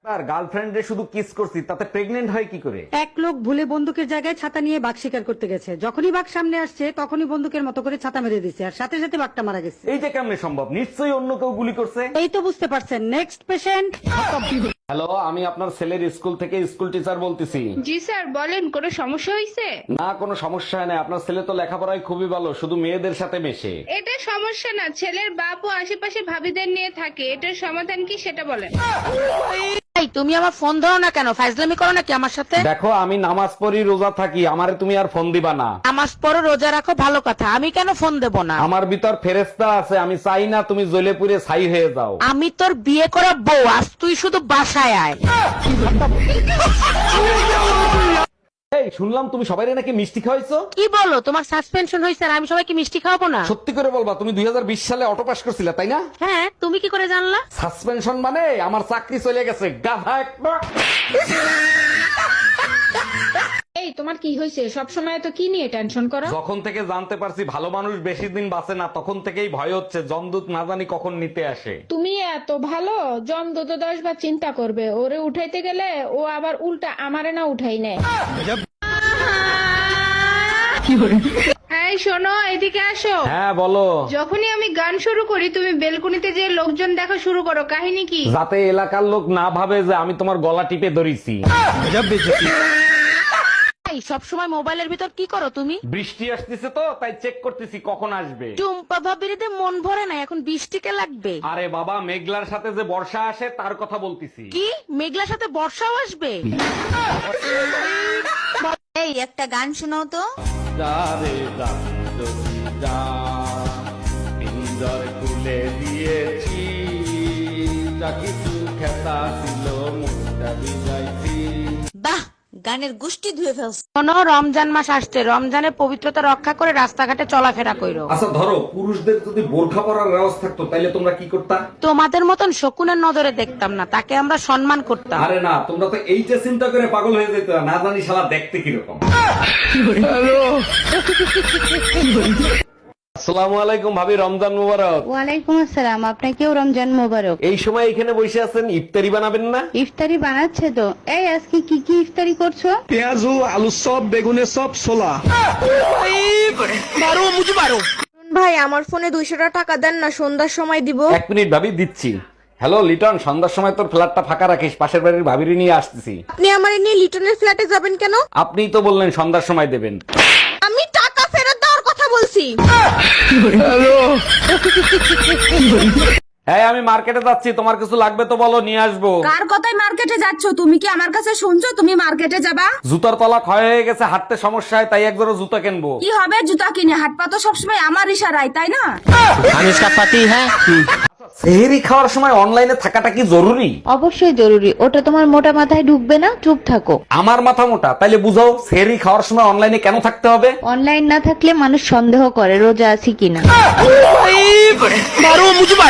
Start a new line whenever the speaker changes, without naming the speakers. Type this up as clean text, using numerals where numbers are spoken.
আর গার্লফ্রেন্ডে শুধু কিস করছি, তাতে প্রেগনেন্ট হয় কি করে?
এক লোক ভুলে বন্দুকের জায়গায় ছাতা নিয়ে বাঘ শিকার করতে গেছে, যখনই বাঘ সামনে আসছে তখনই বন্দুকের মতো করে ছাতা মেরে দিছে, আর সাথে সাথে বাঘটা মারা গেছে।
এইটা কেমনে সম্ভব? নিশ্চয়ই অন্য কেউ গুলি করছে।
এই তো বুঝতে পারছেন। Next patient.
হ্যালো, আমি আপনার ছেলের স্কুল থেকে স্কুল টিচার বলতেছি।
জি স্যার বলেন, কোনো সমস্যা হয়েছে?
না, কোনো সমস্যা নেই। আপনার ছেলে তো লেখাপড়ায় খুবই ভালো, শুধু মেয়েদের সাথে মেশে।
এটা সমস্যা না, ছেলের বাপ ও আশেপাশে ভাবিদের নিয়ে থাকে। এটার সমাধান কি সেটা বলেন।
তুমি আমার ফোন ধরো না কেন? ফাইজলামি করো নাকি আমার সাথে?
দেখো, আমি নামাজ পড়ি, রোজা থাকি, আমারে তুমি আর ফোন দিবা না।
নামাজ পড়ো, রোজা রাখো, ভালো কথা। আমি কেন ফোন দেব না?
আমার ভিতর ফেরেশতা আছে, আমি চাই না তুমি জ্বলে পুড়ে ছাই হয়ে যাও।
আমি তোর বিয়ে করা বউ, আজ তুই শুধু বাসায় আয়।
এই শুনলাম তুমি সবাই নাকি মিষ্টি খাওয়াইছো।
কি বলো? তোমার সাসপেনশন হয়েছে আর আমি সবাইকে মিষ্টি খাওয়াবো না?
সত্যি করে বলবা, তুমি 2020 সালে অটো পাস করছিলে তাই না?
হ্যাঁ, তুমি কি করে জানলা?
সাসপেনশন মানে আমার চাকরি চলে গেছে, গাধা একটা।
এই তোমার কি হয়েছে? সব সময় তো কি নিয়ে টেনশন করো?
যখন থেকে জানতে পারছি ভালো মানুষ বেশি দিন বাঁচে না, তখন থেকেই ভয় হচ্ছে জমদূত না জানি কখন নিতে আসে।
তুমি এত ভালো, জমদূত 10 বার চিন্তা করবে। ওরে উঠাইতে গেলে ও আবার উল্টা আমারে না উঠাই নেয়। এই শোনো, এদিকে আসো।
হ্যাঁ বলো।
যখনই আমি গান শুরু করি তুমি বেলকনিতে যে লোকজন দেখা শুরু করো, কাহিনী কি?
যাতে এলাকার লোক না ভাবে যে আমি তোমার গলা টিপে ধরেছি।
সব সময় মোবাইলের ভিতর কি করো তুমি?
বৃষ্টি আসতেছে তো তাই চেক করতেছি কখন আসবে।
টুম্পা ভাবিরিতে মন ভরে না, এখন বৃষ্টিকে লাগবে।
আরে বাবা, মেঘলার সাথে যে বর্ষা আসে তার কথা বলতেছি।
কি মেঘলার সাথে বর্ষাও আসবে?
এই একটা গান শোনাও তো।
পিঞ্জর খুলে দিয়েছি, যা কিছু খেতা ছিল মুখটা ভিজাইছি।
বাহ, গানের গুষ্টি ধুয়ে ফেলছ।
শোনো, রমজান মাস আসছে, রমজানের পবিত্রতা রক্ষা করে রাস্তাঘাটে চলাফেরা করো।
আচ্ছা ধরো, পুরুষদের যদি বোরখা পরার রেওয়াজ থাকতো তাইলে তোমরা কি করতা?
তোমাদের মতন শকুনের নজরে দেখতাম না, তাকে আমরা সম্মান করতাম।
আরে না, তোমরা তো এইটা চিন্তা করে পাগল হয়ে যেত, না জানি শালা দেখতে কিরকম। আসসালামু আলাইকুম ভাবি, রমজান মুবারক।
ওয়ালাইকুম আসসালাম, আপনাকেও রমজান মোবারক।
এই সময় এখানে বসে আছেন, ইফতারি বানাবেন না?
ইফতারি বানাচ্ছে তো। এই আজকে কি কি ইফতারি করছো?
পেঁয়াজু, আলু চপ, বেগুনের চপ, ছোলা।
ভাই আমার ফোনে 200 টাকা দেন না, সন্ধ্যার সময় দিব।
1 মিনিট ভাবি, দিচ্ছি। হ্যালো লিটন, সন্ধ্যার সময় তোর ফ্ল্যাটটা ফাঁকা রাখিস, পাশের বাড়ির ভাবিরি নিয়ে আসতেছি।
আপনি আমার নিয়ে লিটনের ফ্ল্যাটে যাবেন কেন?
আপনিই তো বললেন সন্ধ্যার সময় দেবেন।
আমি টাকা ফেরত দেওয়ার কথা বলছি।
হ্যাঁ, আমি মার্কেটে যাচ্ছি, তোমার কিছু লাগবে তো বলো, নিয়ে আসবো।
কার কথায় মার্কেটে যাচ্ছ? তুমি কি আমার কাছে শুনছো তুমি মার্কেটে যাবা?
জুতার তলা ক্ষয় হয়ে গেছে, হাঁটতে সমস্যা হয়, তাই একজোড়া জুতা কিনবো।
কি হবে জুতা কিনে? হাট পা তো সবসময় আমার ইশারায়, তাই না?
আমি इसका पति है।
সেহরি খাওয়ার সময় অনলাইনে থাকাটা কি জরুরি?
অবশ্যই জরুরি। ওটা তোমার মোটা মাথায় ঢুকবে না, চুপ থাকো।
আমার মাথা মোটা, তাইলে বুঝাও সেহরি খাওয়ার সময় অনলাইনে কেন থাকতে হবে?
অনলাইন না থাকলে মানুষ সন্দেহ করে রোজা আছি কিনা।